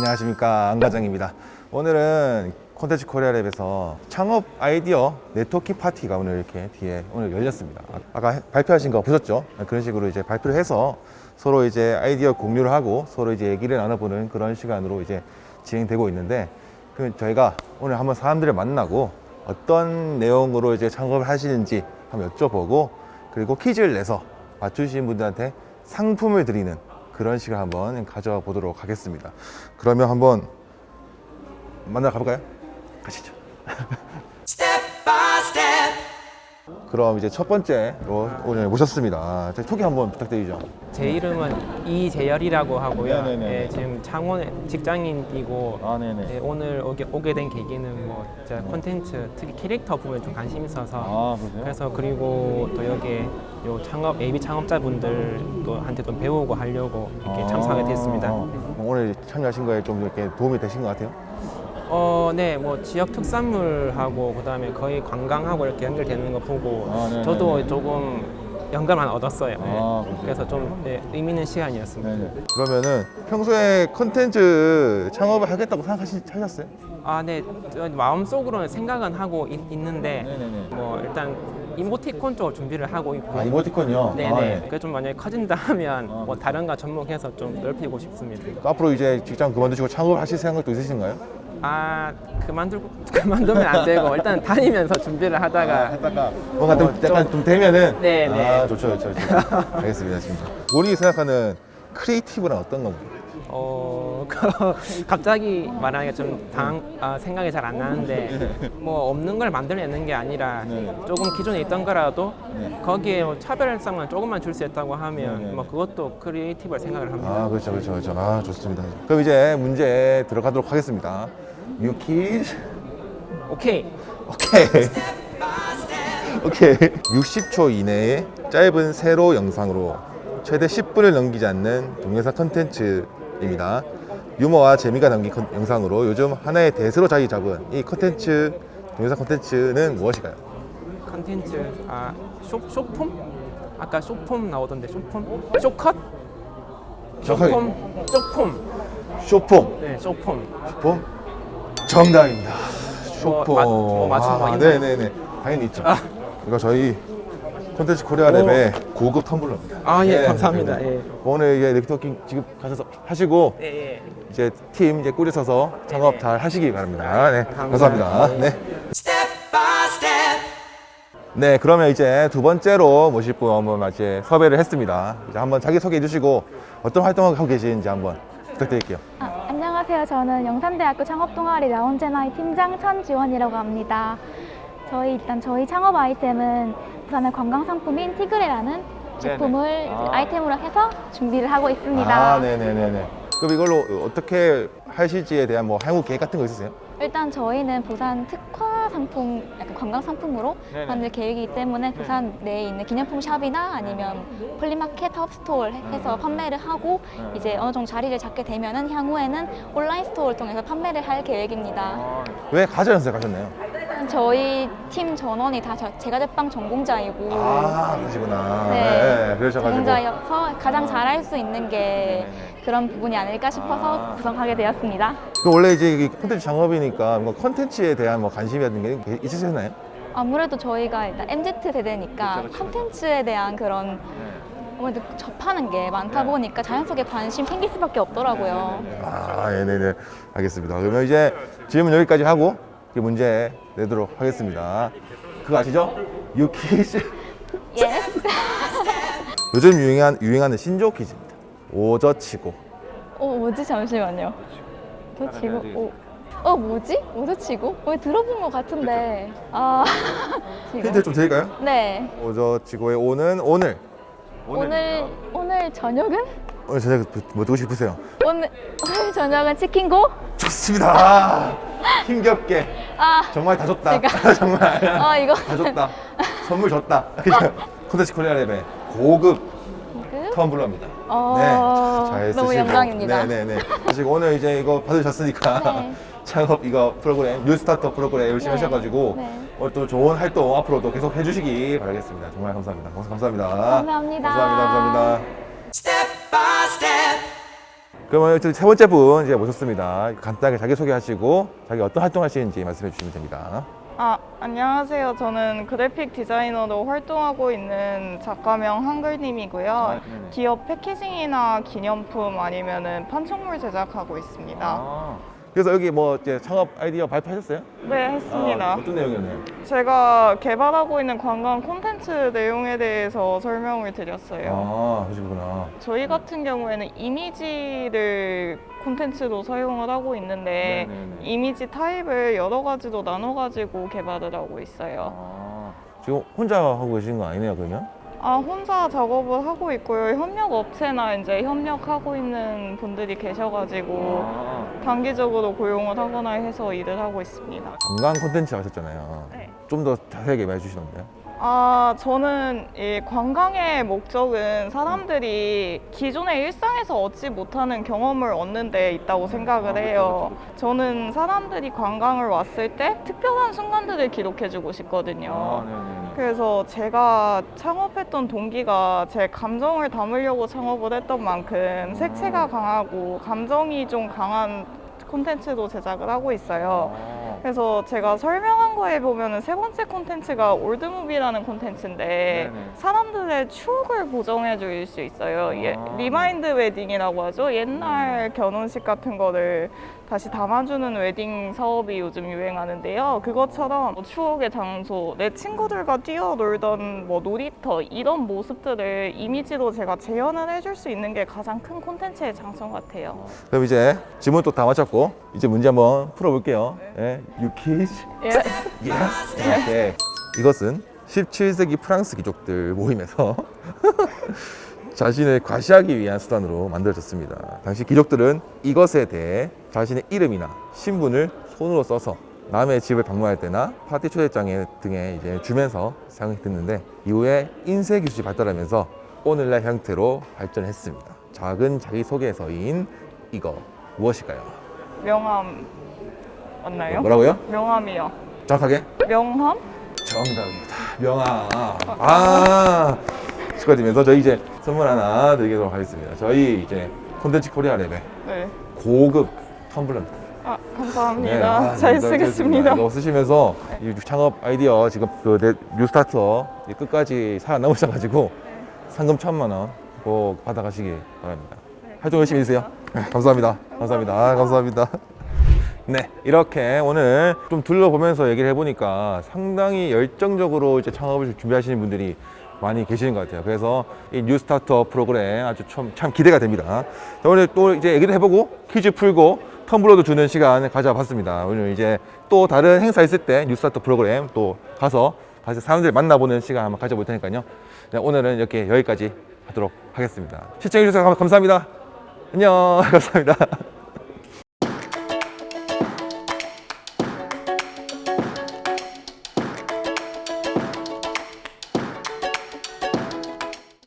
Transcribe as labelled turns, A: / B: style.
A: 안녕하십니까, 안 과장입니다. 오늘은 콘텐츠 코리아랩에서 창업 아이디어 네트워킹 파티가 오늘 이렇게 뒤에 오늘 열렸습니다. 아까 발표하신 거 보셨죠? 그런 식으로 이제 발표를 해서 서로 이제 아이디어 공유를 하고 서로 이제 얘기를 나눠보는 그런 시간으로 이제 진행되고 있는데, 저희가 오늘 한번 사람들을 만나고 어떤 내용으로 이제 창업을 하시는지 한번 여쭤보고, 그리고 퀴즈를 내서 맞추신 분들한테 상품을 드리는 그런 시간 한번 가져와 보도록 하겠습니다. 그러면 한번 만나러 가볼까요? 가시죠. 그럼 이제 첫 번째로 오늘 모셨습니다. 소개 한번 부탁드리죠.
B: 제 이름은 이재열이라고 하고요.
A: 네네네.
B: 예, 지금 창원 직장인이고
A: 네네.
B: 예, 오늘 오게 된 계기는 뭐 제가 콘텐츠 특히 캐릭터 부분에 좀 관심이 있어서
A: 그러세요?
B: 그래서 그리고 또 여기에 요 창업 AB 창업자분들도 한테 좀 배우고 하려고 이렇게 참석하게 됐습니다.
A: 오늘 참여하신 거에 좀 이렇게 도움이 되신 것 같아요?
B: 네, 뭐 지역 특산물하고 그다음에 거의 관광하고 이렇게 연결되는 거 보고
A: 네네네.
B: 저도 조금 영감을 얻었어요.
A: 그러세요?
B: 그래서 좀 의미 있는 시간이었습니다.
A: 그러면은 평소에 컨텐츠 창업을 하겠다고 생각하셨어요?
B: 네, 저 마음속으로는 생각은 하고 있는데
A: 네네네.
B: 뭐 일단 이모티콘 쪽 준비를 하고 있고
A: 이모티콘이요?
B: 네네. 그게 좀 만약에 커진다 하면 뭐 다른 거 접목해서 좀 넓히고 싶습니다.
A: 또 앞으로 이제 직장 그만두시고 창업을 하실 생각도 있으신가요?
B: 그만두면 안 되고 일단 다니면서 준비를 하다가
A: 뭔가 좀 약간 좀 되면은
B: 네.
A: 좋죠. 알겠습니다. 진짜. 본인이 생각하는 크리에이티브는 어떤 건가요?
B: 갑자기 말하기가 좀 생각이 잘 안 나는데 뭐 없는 걸 만들어내는 게 아니라 조금 기존에 있던 거라도 거기에 뭐 차별성을 조금만 줄 수 있다고 하면 뭐 그것도 크리에이티브를 생각을 합니다.
A: 그렇죠. 좋습니다. 그럼 이제 문제 들어가도록 하겠습니다. 유키즈.
B: 오케이.
A: 60초 이내에 짧은 세로 영상으로 최대 10분을 넘기지 않는 동영상 컨텐츠입니다. 유머와 재미가 담긴 영상으로 요즘 하나의 대세로 자리 잡은 이 컨텐츠, 동영상 컨텐츠는 무엇일까요?
B: 컨텐츠 쇼폼? 아까 쇼폼 나오던데 쇼폼? 쇼컷? 쇼폼?
A: 쇼폼.
B: 네, 쇼폼.
A: 정답입니다.
B: 뭐,
A: 쇼폼.
B: 뭐 맞춘 거 있나요?
A: 네네네. 당연히 있죠. 이거 저희 콘텐츠 코리아랩의 고급 텀블러입니다.
B: 예, 감사합니다. 예.
A: 오늘 이제 네트워킹 지금 가셔서 하시고
B: 예.
A: 이제 팀 이제 꾸려서서 창업 잘 하시기 바랍니다. 네,
B: 감사합니다.
A: 감사합니다. 네, 그러면 이제 두 번째로 모실 분 한번 이제 섭외를 했습니다. 이제 한번 자기 소개해 주시고 어떤 활동을 하고 계시는지 한번 부탁드릴게요.
C: 안녕하세요. 저는 영산대학교 창업동아리 라운제나이 팀장 천지원이라고 합니다. 저희 창업 아이템은 부산의 관광상품인 티그레라는 제품을 아이템으로 해서 준비를 하고 있습니다.
A: 네네네네. 그럼 이걸로 어떻게 하실지에 대한 뭐 향후 계획 같은 거 있으세요?
C: 일단 저희는 부산 특화 상품, 약간 관광 상품으로 만들 계획이기 때문에 부산 내에 있는 기념품 샵이나 아니면 플리마켓, 헙스토어 해서 판매를 하고 이제 어느 정도 자리를 잡게 되면은 향후에는 온라인 스토어를 통해서 판매를 할 계획입니다.
A: 왜 가전연수에 가셨나요?
C: 저희 팀 전원이 다 제과제빵 전공자이고
A: 그러시구나.
C: 네,
A: 그러셔가지고.
C: 전공자여서 가장 잘할 수 있는 게 그런 부분이 아닐까 싶어서 구성하게 되었습니다.
A: 그럼 원래 이제 이게 콘텐츠 창업이니까 뭔가 콘텐츠에 대한 뭐 관심이라든 게 있으셨나요?
C: 아무래도 저희가 일단 MZ 세대니까 콘텐츠에 대한 그런 아무래도 접하는 게 많다 보니까 자연스럽게 관심 생길 수밖에 없더라고요.
A: 네네네. 알겠습니다. 그러면 이제 질문 여기까지 하고 문제 내도록 하겠습니다. 그거 아시죠? 유퀴즈.
C: 예스.
A: 요즘 유행하는 신조 퀴즈입니다. 오저치고.
C: 뭐지? 잠시만요. 오저치고. 뭐지? 오저치고? 들어본 것 같은데.
A: 힌트 좀 드릴까요?
C: 네.
A: 오저치고의 오는 오늘.
C: 오늘 저녁은?
A: 오늘 저녁 뭐 드고 싶으세요?
C: 오늘 저녁은 치킨고?
A: 좋습니다. 힘겹게. 정말 다 줬다. 정말.
C: 이거.
A: 다 줬다. 선물 줬다. 콘텐츠 코리아랩의 고급 텀블러입니다. 잘 쓰시고.
C: 너무 영광입니다.
A: 네네네. 사실 오늘 이제 이거 받으셨으니까
C: 네.
A: 창업 이거 프로그램, 뉴스타터 프로그램 열심히 하셔가지고 또 좋은 활동 앞으로도 계속 해주시기 바라겠습니다. 정말 감사합니다. 감사합니다.
C: 감사합니다.
A: 감사합니다. 그러면 세 번째 분 이제 모셨습니다. 간단하게 자기소개하시고 자기 어떤 활동하시는지 말씀해 주시면 됩니다.
D: 안녕하세요. 저는 그래픽 디자이너로 활동하고 있는 작가명 한글님이고요.
A: 네네.
D: 기업 패키징이나 기념품 아니면은 판촉물 제작하고 있습니다.
A: 그래서 여기 뭐 이제 창업 아이디어 발표하셨어요?
D: 네, 했습니다.
A: 어떤 내용이었나요?
D: 제가 개발하고 있는 관광 콘텐츠 내용에 대해서 설명을 드렸어요.
A: 그러시구나.
D: 저희 같은 경우에는 이미지를 콘텐츠로 사용을 하고 있는데
A: 네네네.
D: 이미지 타입을 여러 가지로 나눠가지고 개발을 하고 있어요.
A: 지금 혼자 하고 계신 거 아니네요, 그러면?
D: 혼자 작업을 하고 있고요. 협력 업체나 이제 협력하고 있는 분들이 계셔가지고 단기적으로 고용을 하거나 해서 일을 하고 있습니다.
A: 관광 콘텐츠 하셨잖아요.
D: 네.
A: 좀 더 자세하게 말해 주시던데요?
D: 저는 이 관광의 목적은 사람들이 기존의 일상에서 얻지 못하는 경험을 얻는 데 있다고 생각을 해요. 저는 사람들이 관광을 왔을 때 특별한 순간들을 기록해주고 싶거든요. 그래서 제가 창업했던 동기가 제 감정을 담으려고 창업을 했던 만큼 색채가 강하고 감정이 좀 강한 콘텐츠도 제작을 하고 있어요. 그래서 제가 설명한 거에 보면은 세 번째 콘텐츠가 올드무비라는 콘텐츠인데 사람들의 추억을 보정해 줄 수 있어요. 리마인드 웨딩이라고 하죠. 옛날 결혼식 같은 거를 다시 담아주는 웨딩 사업이 요즘 유행하는데요. 그것처럼 뭐 추억의 장소, 내 친구들과 뛰어놀던 뭐 놀이터 이런 모습들을 이미지로 제가 재현을 해줄 수 있는 게 가장 큰 콘텐츠의 장점 같아요.
A: 그럼 이제 질문 또 다 마쳤고 이제 문제 한번 풀어볼게요. 유키즈? Yes. 네. 이것은 17세기 프랑스 귀족들 모임에서 자신을 과시하기 위한 수단으로 만들어졌습니다. 당시 귀족들은 이것에 대해 자신의 이름이나 신분을 손으로 써서 남의 집을 방문할 때나 파티 초대장에 등에 이제 주면서 사용했는데 이후에 인쇄 기술이 발달하면서 오늘날 형태로 발전했습니다. 작은 자기소개서인 이거 무엇일까요?
D: 명함 맞나요?
A: 뭐라고요?
D: 명함이요.
A: 정확하게?
D: 명함?
A: 정답입니다. 명함. 축하드리면서 저희 이제 선물 하나 드리도록 하겠습니다. 저희 이제 콘텐츠 코리아 랩의
D: 네.
A: 고급 텀블러입니다.
D: 감사합니다. 잘 쓰겠습니다.
A: 이거 쓰시면서 이 창업 아이디어 지금 그 뉴스타터 끝까지 살아남으셔가지고 상금 1,000만 원 꼭 받아가시기 바랍니다. 활동 열심히 해주세요. 감사합니다. 감사합니다. 감사합니다. 네, 이렇게 오늘 좀 둘러보면서 얘기를 해보니까 상당히 열정적으로 이제 창업을 준비하시는 분들이 많이 계시는 것 같아요. 그래서 이 뉴스타터 프로그램 아주 참 기대가 됩니다. 자, 오늘 또 이제 얘기를 해보고 퀴즈 풀고 텀블러도 주는 시간을 가져봤습니다. 오늘 이제 또 다른 행사 있을 때 뉴스타터 프로그램 또 가서 다시 사람들 만나보는 시간 한번 가져볼 테니까요. 네, 오늘은 이렇게 여기까지 하도록 하겠습니다. 시청해주셔서 감사합니다. 안녕. 감사합니다.